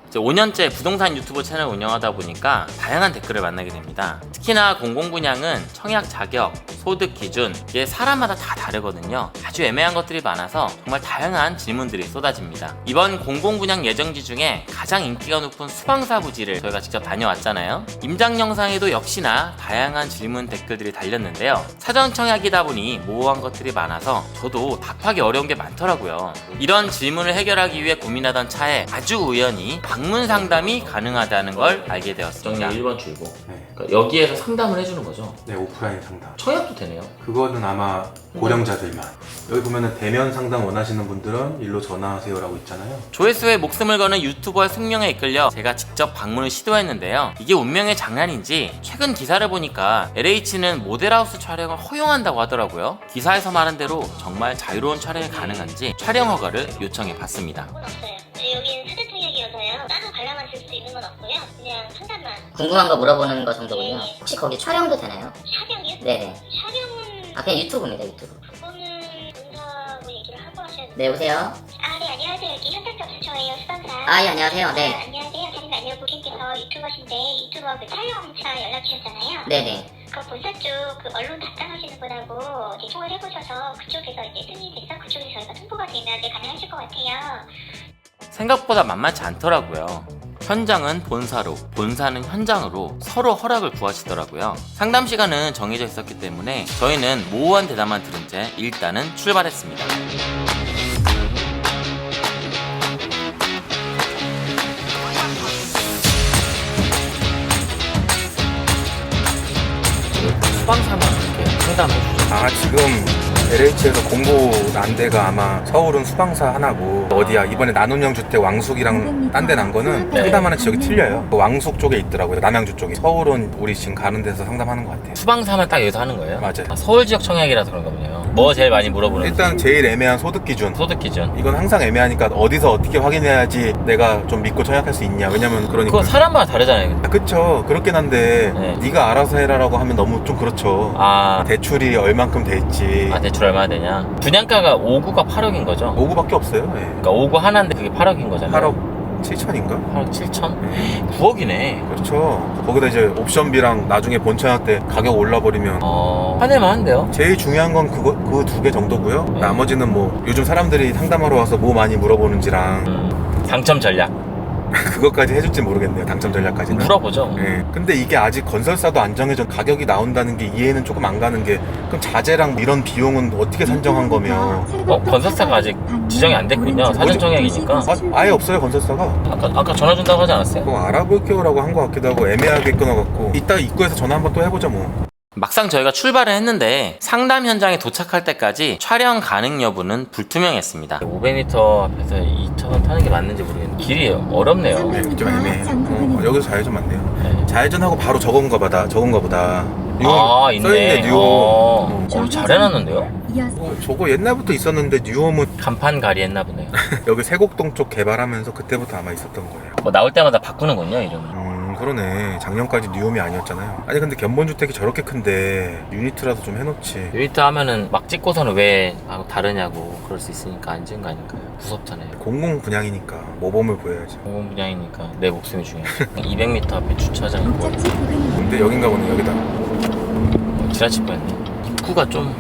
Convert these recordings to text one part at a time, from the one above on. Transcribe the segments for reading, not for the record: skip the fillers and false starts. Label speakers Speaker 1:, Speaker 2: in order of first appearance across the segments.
Speaker 1: 이제 5년째 부동산 유튜브 채널 운영하다 보니까 다양한 댓글을 만나게 됩니다. 특히나 공공분양은 청약 자격, 소득 기준, 이게 사람마다 다 다르거든요. 아주 애매한 것들이 많아서 정말 다양한 질문들이 쏟아집니다. 이번 공공분양 예정지 중에 가장 인기가 높은 수방사 부지를 저희가 직접 다녀왔잖아요. 임장 영상에도 역시나 다양한 질문 댓글들이 달렸는데요. 사전 청약이다 보니 모호한 것들이 많아서 저도 답하기 어려운 게 많더라고요. 이런 질문을 해결하기 위해 고민하던 차에 아주 우연히 방문 상담이 가능하다는 걸 알게 되었습니다. 1번 출구.
Speaker 2: 네.
Speaker 1: 그러니까 여기에서 상담을 해주는 거죠.
Speaker 2: 네, 오프라인 상담.
Speaker 1: 청약도 되네요.
Speaker 2: 그거는 아마 고령자들만. 여기 보면은 대면 상담 원하시는 분들은 일로 전화하세요라고 있잖아요.
Speaker 1: 조회수에 목숨을 거는 유튜버의 숙명에 이끌려 제가 직접 방문을 시도했는데요. 이게 운명의 장난인지 최근 기사를 보니까 LH는 모델하우스 촬영을 허용한다고 하더라고요. 기사에서 말한 대로 정말 자유로운 촬영이 가능한지 촬영 허가를 요청해 봤습니다.
Speaker 3: 없어요. 여기는 사전 청약이어서요. 따로 관람만 줄 수 있는 건 없고요. 그냥 상담만.
Speaker 4: 궁금한 거 물어보는 거 정도군요.
Speaker 3: 네.
Speaker 4: 혹시 거기 촬영도 되나요?
Speaker 3: 촬영이요?
Speaker 4: 네네.
Speaker 3: 촬영은
Speaker 4: 아, 그냥 유튜브입니다, 유튜브.
Speaker 3: 그거는 본사하고 얘기를 하고 하셔야 돼요.
Speaker 4: 네, 여보세요?
Speaker 3: 아, 네, 안녕하세요. 여기 현장접수처예요, 수방사.
Speaker 4: 아, 예, 안녕하세요. 네.
Speaker 3: 안녕하세요. 자님 안녕. 고객께서 유튜버신데 유튜버 그 촬영차 연락 주셨잖아요.
Speaker 4: 네네.
Speaker 3: 그 본사 쪽 그 언론 담당하시는 분하고 이제 통화를 해보셔서 그쪽에서 이제 승인돼서 그쪽에서 저희가 통보가 되면 네, 가능하실 것 같아요.
Speaker 1: 생각보다 만만치 않더라고요. 현장은 본사로, 본사는 현장으로 서로 허락을 구하시더라고요. 상담 시간은 정해져 있었기 때문에 저희는 모호한 대답만 들은 채 일단은 출발했습니다. 수방사만 이렇게 상담해주죠.
Speaker 2: 아, 지금 LH에서 공고 난 데가 아마 서울은 수방사 하나고 어디야 이번에 나눔형 주택 왕숙이랑 딴 데 난 거는
Speaker 1: 네.
Speaker 2: 상담하는 지역이 틀려요. 그 왕숙 쪽에 있더라고요. 남양주 쪽에. 서울은 우리 지금 가는 데서 상담하는 것 같아요.
Speaker 1: 수방사만 딱 여기서 하는 거예요?
Speaker 2: 맞아요.
Speaker 1: 아, 서울 지역 청약이라서 그런가 보네요. 뭐 제일 많이 물어보는지.
Speaker 2: 일단 제일 애매한 소득 기준.
Speaker 1: 소득 기준.
Speaker 2: 이건 항상 애매하니까 어디서 어떻게 확인해야지 내가 좀 믿고 청약할 수 있냐. 왜냐면 그러니까.
Speaker 1: 그거 사람마다 다르잖아요.
Speaker 2: 아, 그쵸. 그렇긴 한데
Speaker 1: 네.
Speaker 2: 네가 알아서 해라라고 하면 너무 좀 그렇죠.
Speaker 1: 아,
Speaker 2: 대출이 얼만큼 될지.
Speaker 1: 대출 얼마나 되냐? 분양가가 5구가 8억인 거죠?
Speaker 2: 5구밖에 없어요. 예.
Speaker 1: 그러니까 5구 하나인데 그게 8억인 거잖아요.
Speaker 2: 8억 7천인가?
Speaker 1: 8억 7천? 9억이네.
Speaker 2: 그렇죠. 거기다 이제 옵션비랑 나중에 본청약 때 가격 올라버리면
Speaker 1: 화낼만 한데요?
Speaker 2: 제일 중요한 건 그 두 개 정도고요.
Speaker 1: 네.
Speaker 2: 나머지는 뭐 요즘 사람들이 상담하러 와서 뭐 많이 물어보는지랑
Speaker 1: 당첨 전략.
Speaker 2: 그것까지 해줄지 모르겠네요. 당첨 전략까지는.
Speaker 1: 물어보죠.
Speaker 2: 예. 근데 이게 아직 건설사도 안 정해져 가격이 나온다는 게 이해는 조금 안 가는 게 그럼 자재랑 이런 비용은 어떻게 산정한 거며
Speaker 1: 건설사가 아직 지정이 안 됐군요. 사전 청약이니까.
Speaker 2: 아예 없어요 건설사가.
Speaker 1: 아까 전화 준다고 하지 않았어요?
Speaker 2: 뭐 알아볼게요라고 한 것 같기도 하고 애매하게 끊어갖고 이따 입구에서 전화 한번 또 해보자 뭐.
Speaker 1: 막상 저희가 출발을 했는데 상담 현장에 도착할 때까지 촬영 가능 여부는 불투명했습니다. 500m 앞에서 2차선 타는 게 맞는지 모르겠는데 길이 어렵네요.
Speaker 2: 네, 좀 애매해. 여기서 좌회전 맞네요.
Speaker 1: 네.
Speaker 2: 좌회전하고 바로 저건가 보다.
Speaker 1: 아, 있네.
Speaker 2: 써있네 뉴홈.
Speaker 1: 잘 해놨는데요?
Speaker 2: 저거 옛날부터 있었는데 뉴홈은
Speaker 1: 간판 가리 했나 보네요.
Speaker 2: 여기 세곡동 쪽 개발하면서 그때부터 아마 있었던 거예요.
Speaker 1: 뭐 나올 때마다 바꾸는군요, 이름을.
Speaker 2: 그러네. 작년까지 뉴홈이 아니었잖아요. 아니 근데 견본주택이 저렇게 큰데 유니트라도 좀 해놓지.
Speaker 1: 유니트 하면은 막 찍고서는 왜 다르냐고 그럴 수 있으니까 안 찍은 거 아닐까요? 무섭잖아요.
Speaker 2: 공공 분양이니까 모범을 보여야지.
Speaker 1: 공공 분양이니까 내 목숨이 중요해. 200m 앞에 주차장이 보여.
Speaker 2: 근데 여긴가 보네. 여기다.
Speaker 1: 지나칠 뻔했네. 입구가 좀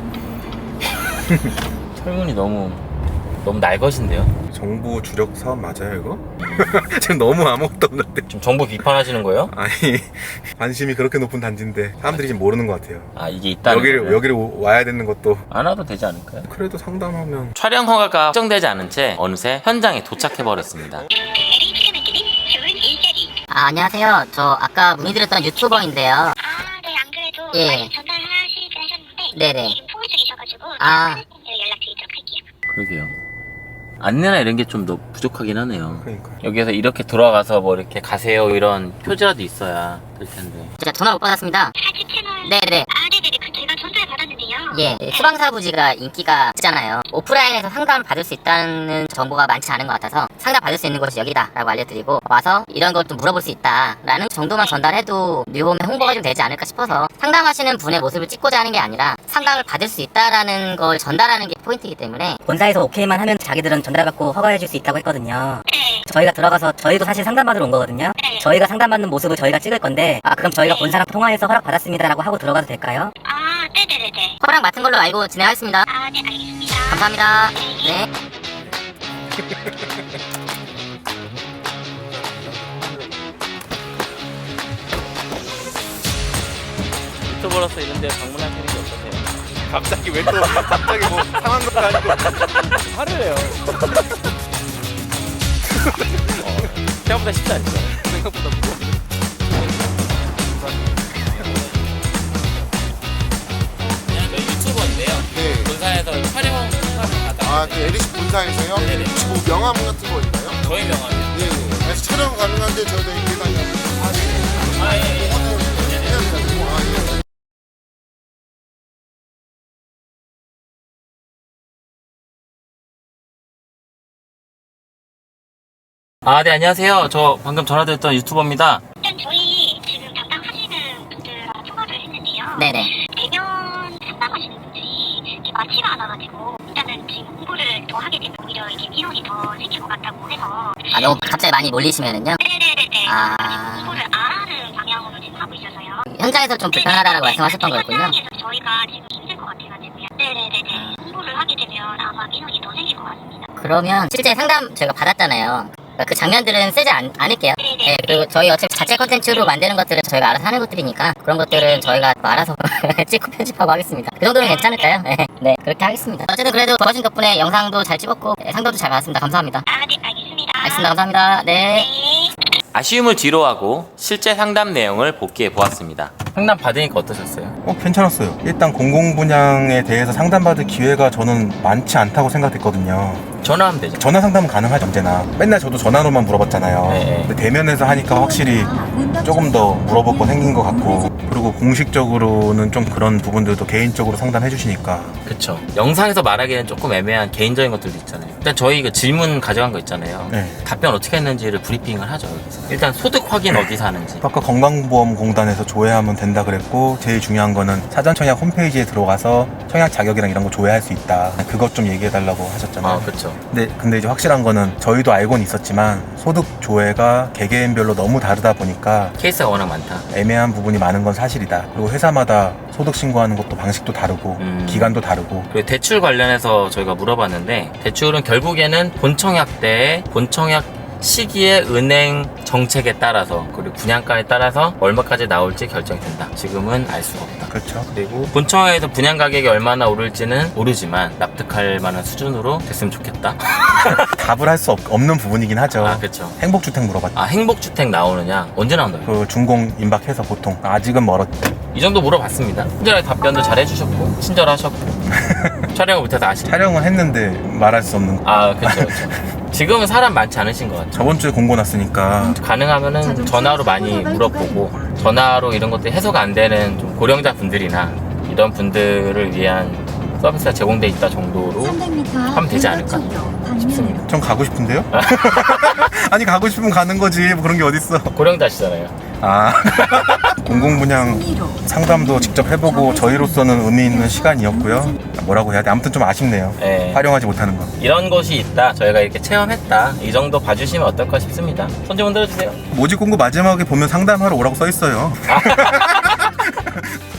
Speaker 1: 철문이 너무 날것인데요?
Speaker 2: 정부 주력 사업 맞아요 이거? 지금 너무 아무것도 없는데.
Speaker 1: 지금 정부 비판하시는 거예요?
Speaker 2: 아니 관심이 그렇게 높은 단지인데 사람들이 지금 모르는 것 같아요.
Speaker 1: 아, 이게 있다는 거예요?
Speaker 2: 여기를 와야 되는 것도
Speaker 1: 안 와도 되지 않을까요?
Speaker 2: 그래도 상담하면.
Speaker 1: 촬영 허가가 확정되지 않은 채 어느새 현장에 도착해버렸습니다.
Speaker 3: LH 캐나드님 좋은 일자리.
Speaker 4: 아, 안녕하세요. 저 아까 문의드렸던 유튜버인데요.
Speaker 3: 아, 네, 안 그래도
Speaker 4: 예.
Speaker 3: 많이 전달하시긴 하셨는데
Speaker 4: 네네.
Speaker 3: 지금 통화 중이셔가지고
Speaker 4: 아.
Speaker 3: 연락드리도록 할게요.
Speaker 1: 그러게요. 안내나 이런 게 좀 더 부족하긴 하네요.
Speaker 2: 그러니까.
Speaker 1: 여기에서 이렇게 돌아가서 뭐 이렇게 가세요 이런 표지라도 있어야 될 텐데.
Speaker 4: 제가 전화 못 받았습니다.
Speaker 3: 사진 채널.
Speaker 4: 네네.
Speaker 3: 아, 네네네. 그 제가 전달 받았는데요.
Speaker 4: 예, 수방사 부지가 인기가 있잖아요. 오프라인에서 상담을 받을 수 있다는 정보가 많지 않은 것 같아서 상담 받을 수 있는 곳이 여기다라고 알려드리고 와서 이런 걸 좀 물어볼 수 있다라는 정도만 전달해도 뉴홈의 홍보가 좀 되지 않을까 싶어서 상담하시는 분의 모습을 찍고자 하는 게 아니라 상담을 받을 수 있다라는 걸 전달하는 게 포인트이기 때문에
Speaker 5: 본사에서 오케이만 하면 자기들은 전달받고 허가해줄 수 있다고 했거든요.
Speaker 3: 네.
Speaker 4: 저희가 들어가서 저희도 사실 상담받으러 온 거거든요.
Speaker 3: 네.
Speaker 4: 저희가 상담받는 모습을 저희가 찍을 건데 그럼 저희가
Speaker 3: 네.
Speaker 4: 본 사람 통화해서 허락 받았습니다라고 하고 들어가도 될까요?
Speaker 3: 아, 네네네네.
Speaker 4: 허락 맡은 걸로 알고 진행하겠습니다.
Speaker 3: 아, 네, 알겠습니다.
Speaker 4: 감사합니다. 네.
Speaker 1: 유튜버로서 이런데 방문하시는 게 어떠세요?
Speaker 2: 갑자기 왜 또 갑자기 뭐 상한 것도 아니고
Speaker 1: 화를 내요. 생각보다 쉽지 않죠?
Speaker 2: 생각보다 무거워.
Speaker 1: 저희 유튜버인데요.
Speaker 5: 네.
Speaker 1: 본사에서 촬영 받아.
Speaker 5: 아, 그 LH 본사에서요?
Speaker 1: 네네.
Speaker 5: 혹시 뭐 명함 같은 거 있나요?
Speaker 1: 저희 명함이요.
Speaker 5: 네. 그래서 촬영 가능한데 저희가 이렇게 다니면
Speaker 1: 아, 예, 예.
Speaker 5: 해야 된다고. 아, 예.
Speaker 1: 네, 안녕하세요. 저 방금 전화드렸던 유튜버입니다.
Speaker 3: 일단 저희 지금 담당하시는 분들하고 통화를 했는데요.
Speaker 4: 네네.
Speaker 3: 대면 상담하시는 분들이 이렇게 많지가 않아가지고 일단은 지금 공부를 더 하게 되면 오히려 이게 민원이 더 생길 것 같다고 해서
Speaker 4: 너무 갑자기 많이 몰리시면은요.
Speaker 3: 네네네네.
Speaker 4: 아.
Speaker 3: 지금 공부를 안 하는 방향으로 지금 하고 있어서요.
Speaker 4: 현장에서 좀 불편하다라고 말씀하셨던 거였군요.
Speaker 3: 현장에서 저희가 지금 힘들 것 같아가지고요. 네네네네. 공부를 하게 되면 아마 민원이 더 생길 것 같습니다.
Speaker 4: 그러면 실제 상담 저희가 받았잖아요. 그 장면들은 쓰지 않을게요. 네, 그리고 저희 어차피 자체 컨텐츠로 만드는 것들은 저희가 알아서 하는 것들이니까 그런 것들은 저희가 알아서 찍고 편집하고 하겠습니다. 그 정도는 괜찮을까요? 네, 그렇게 하겠습니다. 어쨌든 그래도 도와준 덕분에 영상도 잘 찍었고 상담도 잘 받았습니다. 감사합니다.
Speaker 3: 아, 네, 알겠습니다.
Speaker 4: 알겠습니다. 감사합니다. 네.
Speaker 3: 네.
Speaker 1: 아쉬움을 뒤로하고 실제 상담 내용을 복귀해 보았습니다. 상담 받으니까 어떠셨어요?
Speaker 2: 괜찮았어요. 일단 공공 분양에 대해서 상담받을 기회가 저는 많지 않다고 생각했거든요.
Speaker 1: 전화하면 되죠.
Speaker 2: 전화 상담은 가능하죠, 언제나. 맨날 저도 전화로만 물어봤잖아요.
Speaker 1: 네.
Speaker 2: 근데 대면에서 하니까 확실히 조금 더 물어볼 거 생긴 것 같고, 그리고 공식적으로는 좀 그런 부분들도 개인적으로 상담해 주시니까.
Speaker 1: 그쵸. 영상에서 말하기는 조금 애매한 개인적인 것들도 있잖아요. 일단 저희 그 질문 가져간 거 있잖아요.
Speaker 2: 네.
Speaker 1: 답변 어떻게 했는지를 브리핑을 하죠, 여기서. 일단 소득 확인 어디서 하는지.
Speaker 2: 아까 건강보험공단에서 조회하면 된다 그랬고, 제일 중요한 거는 사전청약 홈페이지에 들어가서 청약 자격이랑 이런 거 조회할 수 있다. 그것 좀 얘기해 달라고 하셨잖아요.
Speaker 1: 그쵸.
Speaker 2: 근데 이제 확실한 거는 저희도 알고는 있었지만 소득 조회가 개개인별로 너무 다르다 보니까
Speaker 1: 케이스가 워낙 많다.
Speaker 2: 애매한 부분이 많은 건 사실이다. 그리고 회사마다 소득 신고하는 것도 방식도 다르고 기간도 다르고.
Speaker 1: 그리고 대출 관련해서 저희가 물어봤는데 대출은 결국에는 본청약 때 본청약 시기에 은행 정책에 따라서 그리고 분양가에 따라서 얼마까지 나올지 결정이 된다. 지금은 알 수가 없다.
Speaker 2: 그렇죠.
Speaker 1: 그리고 본청약에서 분양 가격이 얼마나 오를지는 모르지만 납득할 만한 수준으로 됐으면 좋겠다.
Speaker 2: 답을 할 수 없는 부분이긴 하죠.
Speaker 1: 그렇죠.
Speaker 2: 행복주택 물어봤죠.
Speaker 1: 행복주택 나오느냐? 언제 나온다고?
Speaker 2: 그 준공 임박해서 보통 아직은 멀었대.
Speaker 1: 이 정도 물어봤습니다. 친절하게 답변도 잘 해주셨고 친절하셨고 촬영을 못해서 아쉽다.
Speaker 2: 촬영은 했는데 말할 수 없는 거.
Speaker 1: 그렇죠. 지금은 사람 많지 않으신 것 같아요.
Speaker 2: 저번 주에 공고 났으니까
Speaker 1: 가능하면은 전화로 많이 물어보고 전화로 이런 것들이 해소가 안 되는 좀 고령자 분들이나 이런 분들을 위한 서비스가 제공돼 있다 정도로 하면 되지 않을까 싶습니다.
Speaker 2: 전 가고 싶은데요? 아니 가고 싶으면 가는 거지 뭐 그런 게 어딨어.
Speaker 1: 고령자시잖아요.
Speaker 2: 공공분양 상담도 직접 해보고 저희로서는 의미 있는 시간이었고요. 뭐라고 해야 돼? 아무튼 좀 아쉽네요.
Speaker 1: 네.
Speaker 2: 활용하지 못하는 거.
Speaker 1: 이런 것이 있다. 저희가 이렇게 체험했다. 이 정도 봐주시면 어떨까 싶습니다. 손 좀 흔들어주세요.
Speaker 2: 모집 공고 마지막에 보면 상담하러 오라고 써 있어요.